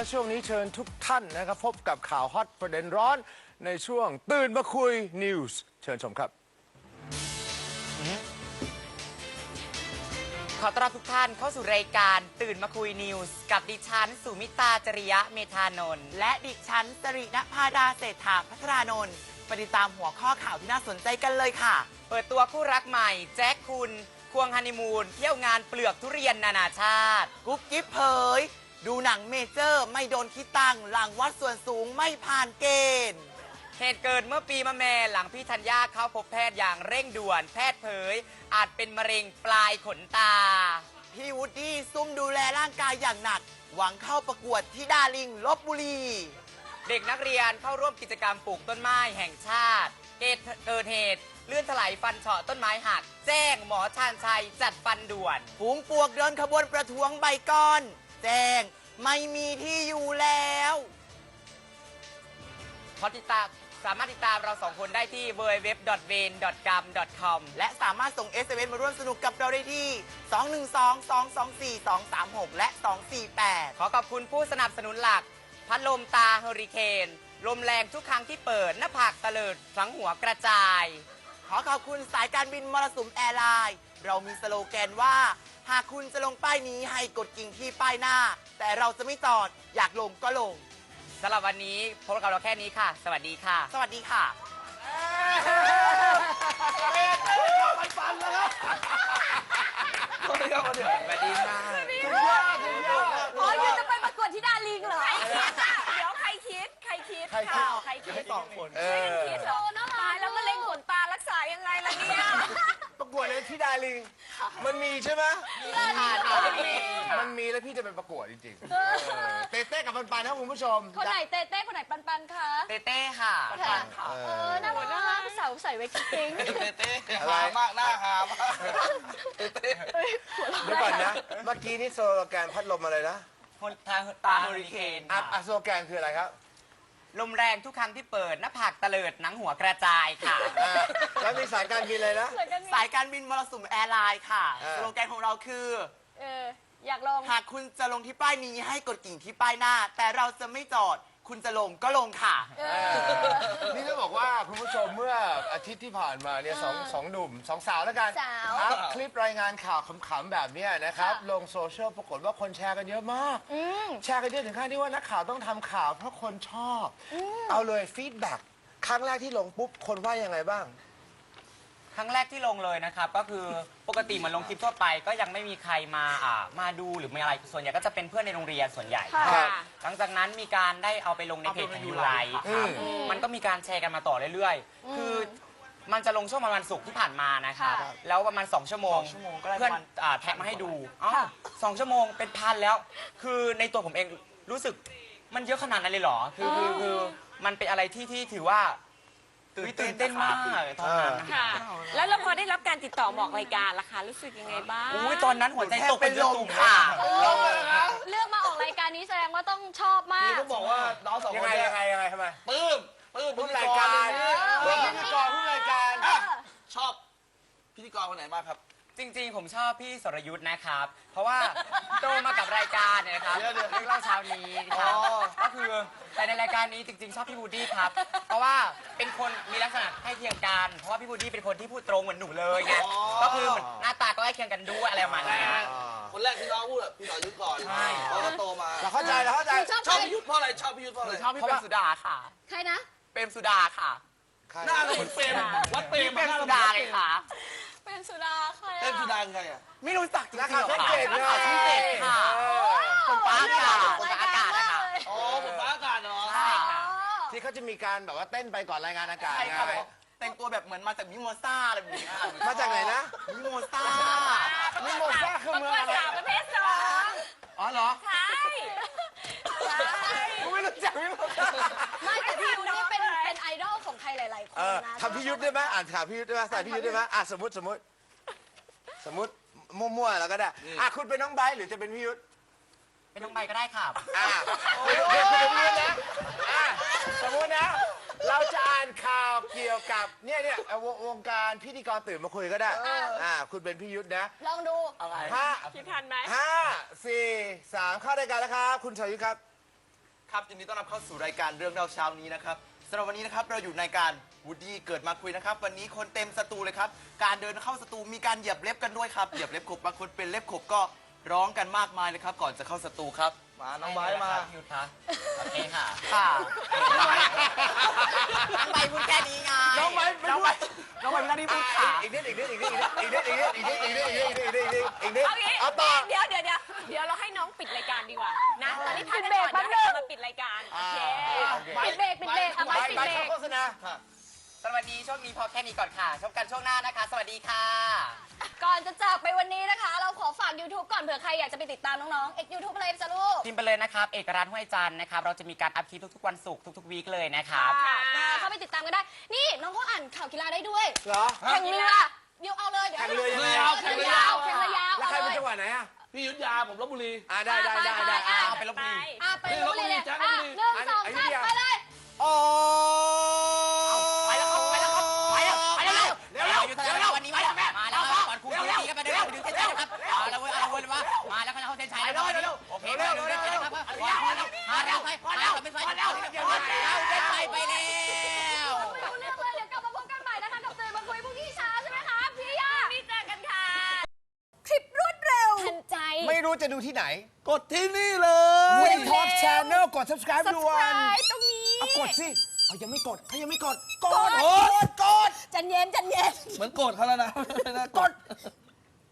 และช่วงนี้เชิญทุกท่านนะครับพบกับข่าวฮอตประเด็นร้อนในช่วงตื่นมาคุยนิวส์เชิญชมครับขอต้อนรับทุกท่านเข้าสู่รายการตื่นมาคุยนิวส์กับดิฉันสุมิตาจริยะเมธานนท์และดิฉันสริณภาดาเศรษฐาพัฒรานนท์ไปติดตามหัวข้อข่าวที่น่าสนใจกันเลยค่ะ เปิดตัวคู่รักใหม่แจ็คคุณควงฮันนีมูนเที่ยวงานเปลือกทุเรียนนานาชาติกุ๊บกิ๊บเผยดูหนังเมเจอร์ไม่โดนคิดตังค์หลังวัดส่วนสูงไม่ผ่านเกณฑ์เหตุเกิดเมื่อปีมะแม่หลังพี่ธัญญาเข้าพบแพทย์อย่างเร่งด่วนแพทย์เผยอาจเป็นมะเร็งปลายขนตาพี่วูดดี้ซุ่มดูแลร่างกายอย่างหนักหวังเข้าประกวดที่ดาลิงลพบุรีเด็กนักเรียนเข้าร่วมกิจกรรมปลูกต้นไม้แห่งชาติเกิดเหตุเลื่อนถลายฟันเฉาะต้นไม้หักแจ้งหมอชาญชัยจัดฟันด่วนฝูงปวกเดินขบวนประท้วงใบก้อนแจ้งไม่มีที่อยู่แล้วสามารถติดตามเราสองคนได้ที่ www.vain.gam.com และสามารถส่ง SMS มาร่วมสนุกกับเราได้ที่ 212-224-236 และ 248 ขอขอบคุณผู้สนับสนุนหลักพัดลมตาเฮอริเคนลมแรงทุกครั้งที่เปิดหน้าผากตะเลิดทั้งหัวกระจายขอขอบคุณสายการบินมรสุมแอร์ไลน์เรามีสโลแกนว่าหากคุณจะลงป้ายนี้ให้กดกิ่งที่ป้ายหน้าแต่เราจะไม่จอดอยากลงก็ลงสำหรับวันนี้พบกับเราแค่นี้ค่ะสวัสดีค่ะสวัสดีค่ะฟันแล้วครับสวัสดีครับสวัสดีค่ะอ๋อยูจะไปประกวดที่ดาลิงเหรอใครคิดอ่ะเดี๋ยวใครคิดข่าวใครคิดสองคนช่วยกันคิดโตนะตายแล้วมะเร็งขนตารักษายังไงล่ะเนี่ยประกวดเลยที่ดาลิงมันมีใช่ไหมมันมีแล้วพี่จะไปประกวดจริงๆเต้กับปันๆนะคุณผู้ชมคนไหนเต้คนไหนปันคะเต้ค่ะปันค่ะน่ารักมากสาวใส่ไว้กิ๊งเต้หามากหน้าหามเต้เดี๋ยวก่อนนะเมื่อกี้นี่สโลแกนพัดลมอะไรนะตาเฮอริเคนสโลแกนคืออะไรครับลมแรงทุกครั้งที่เปิดหน้าผากตะเลิดหนังหัวกระจายค่ะแล้วมีสายการบินเลยนะสายการบินมรสุมแอร์ไลน์ค่ะสโลแกนของเราคืออยากลงหากคุณจะลงที่ป้ายนี้ให้กดกิ่งที่ป้ายหน้าแต่เราจะไม่จอดคุณจะลงก็ลงค่ะนี่ต้องบอกว่าคุณผู้ชมเมื่ออาทิตย์ที่ผ่านมาเนี่ยสองหนุ่มสองสาวแล้วกันอัพคลิปรายงานข่าวขำๆแบบนี้นะครับลงโซเชียลปรากฏว่าคนแชร์กันเยอะมากแชร์กันเยอะถึงขั้นที่ว่านักข่าวต้องทำข่าวเพราะคนชอบเอาเลยฟีดแบ็กครั้งแรกที่ลงปุ๊บคนว่ายังไงบ้างครั้งแรกที่ลงเลยนะครับก็คือปกติเหมือนลงคลิปทั่วไปก็ยังไม่มีใครมาดูหรือมีอะไรส่วนใหญ่ก็จะเป็นเพื่อนในโรงเรียนส่วนใหญ่หลังจากนั้นมีการได้เอาไปลงในเพจของยูไลครับมันก็มีการแชร์กันมาต่อเรื่อยๆคือมันจะลงช่วงประมาณศุกร์ที่ผ่านมานะครับแล้วประมาณ2 ชั่วโมงเพื่อนแท็กมาให้ดู2 ชั่วโมงเป็นพันแล้วคือในตัวผมเองรู้สึกมันเยอะขนาดนั้นเลยเหรอคือมันเป็นอะไรที่ถือว่าตื่นเต้นมากตอนนั้นค่ะแล้วเราพอได้รับการติดต่อมาออกรายการล่ะคะรู้สึกยังไงบ้างตอนนั้นหัวใจตกเป็นลมค่ะเลือกมาออกรายการนี้แสดงว่าต้องชอบมากพี่ก็บอกว่าน้องสองคนยังไงทำไมปื้มผู้รายการผู้รายการชอบพิธีกรคนไหนมากครับจริงๆผมชอบพี่สรยุทธ์นะครับเพราะว่าโตมากับรายการเนี่ยนะครับเรื่องเล่าเช้านี้ครับก็คือแต่ในรายการนี้จริงๆชอบพี่บูดี้ครับเพราะว่าเป็นคนมีลักษณะใกล้เคียงกันเพราะว่าพี่บูดี้เป็นคนที่พูดตรงเหมือนหนูเลยไงก็คือเหมือนหน้าตาก็ใกล้เคียงกันด้วยอะไรประมาณนี้คนแรกที่น้องพูดพี่สรยุทธ์ก่อนพอโตมาเราเข้าใจชอบพี่ยุทธ์เพราะอะไรชอบพี่เปรมสุดาค่ะใครนะเปรมสุดาค่ะหน้าเหมือนเปรมวัดเปรมสุดาเลยค่ะเป็นสุดาใครเป็นสุดาคือใครอ่ะไม่รู้จักจริงๆค่ะช่องเจ็ดค่ะคนฟ้าอากาศนะคะคนฟ้าอากาศเนาะใช่ค่ะที่เขาจะมีการแบบว่าเต้นไปก่อนรายงานอากาศไงแต่งตัวแบบเหมือนมาจากมิโมซ่าอะไรแบบนี้มาจากไหนนะมิโมซ่าคือเมืองอะไรประเภท2 อ๋อเหรอใช่ไม่รู้จักมิโมซ่าไม่แต่พี่ยุทธนี่เป็นไอดอลของใครหลายๆคนนะทำพี่ยุทธได้ไหมอ่านข่าวพี่ยุทธได้ไหมใส่พี่ยุทธได้ไหมสมมติมั่วๆแล้วก็ได้คุณเป็นน้องไบร์ทหรือจะเป็นพี่ยุทธเป็นน้องใบก็ได้ค่ะเป็นพี่ยุทธนะสมมตินะเราจะอ่านข่าวเกี่ยวกับวงการพิธีกรตื่นมาคุยก็ได้คุณเป็นพี่ยุทธนะลองดูอะไรคิดทันไหม 5 4 3เข้ารายการแล้วครับคุณสรยุทธครับครับยินดีต้อนรับเข้าสู่รายการเรื่องเล่าเช้านี้นะครับสำหรับวันนี้นะครับเราอยู่ในการวูดดี้เกิดมาคุยนะครับวันนี้คนเต็มสตูเลยครับการเดินเข้าสตูมีการเหยียบเล็บกันด้วยครับเหยียบเล็บขบบางคนเป็นเล็บขบก็ร้องกันมากมายเลยครับก่อนจะเข้าสตูครับมาน้องไบร์ทมาหยุดค่ะโอเคค่ะค่ะน้องใบพูดแค่นี้ไงน้องไบร์ทน้องไบร์ทน้องไบร์ทไม่ได้พูดขาอีกนิดอีกนิดอีกนิดอีกนิดอีกนิดอีกนิดอีกนิดอีกนิดอีกนิดอีกนิดเอางี้เอาต่อเดี๋ยวเราให้น้องปิดรายการดีกว่านะตอนนี้พักกันก่อนเดี๋ยวให้เรามาปิดรายการโอเคปิดเบรกเอาไปปิดเบรกโฆษณาสวัสดีช่วงนี้พอแค่นี้ก่อนค่ะชมกันช่วงหน้านะคะ สวัสดีค่ะก่อนจะจากไปวันนี้นะคะ เราขอฝาก YouTube ก่อนเผื่อใครอยากจะไปติดตามน้องๆ YouTube อะไรจ้ะลูกพิมพ์ไปเลยนะครับ เอกรัตน์ห้วยจันทร์นะครับ เราจะมีการอัพคลิปทุกๆวันศุกร์ทุกๆวีคเลยนะครับเข้าไปติดตามกันได้ นี่น้องเขาอ่านข่าวกีฬาได้ด้วยเหรอแข่งเรือเดี๋ยวเอาเลยเดี๋ยวแข่งเรือยังไงแข่งเรือยาวแข่งเรือยาวแล้วใครเอาเป็นเลยจังหวัดไหนอ่ะพี่ยุทธยาผมลบบุรีได้เอาไปลบบุรีไปลบบุรีเลยจันทอ่ะบุรีหนึ่งสองสามไปเลยโอ้ไปแล้วครับไปแล้วครับไปแล้วไปแล้วเร็วอยู่ทางเราวันนี้มาแล้วมาแล้วก่อนครูทีกันไปเดี๋ยวไปดูเส้นชัยครับเอาละเว้ยเอาละเว้ยมาแล้วเขาเส้นชัยแล้วโอเคเร็วครับมาแล้วไปไม่ใส่เอาเส้นชัยไปแล้วไม่รู้เรื่องเลยเดี๋ยวกลับมาพบกันใหม่นะคะกับตื่นมาคุยพรุ่งนี้เช้าใช่ไหมคะพี่ยาพี่เจอกันค่ะ คลิปรวดเร็วทันใจไม่รู้จะดูที่ไหนกดที่นี่เลย Win Talk Channel กด subscribe ด่วน subscribe ตรงนี้เอากดสิเอายังไม่กดเขายังไม่กดกดกดจันเย็นเหมือนโกรธเขาแล้วนะกด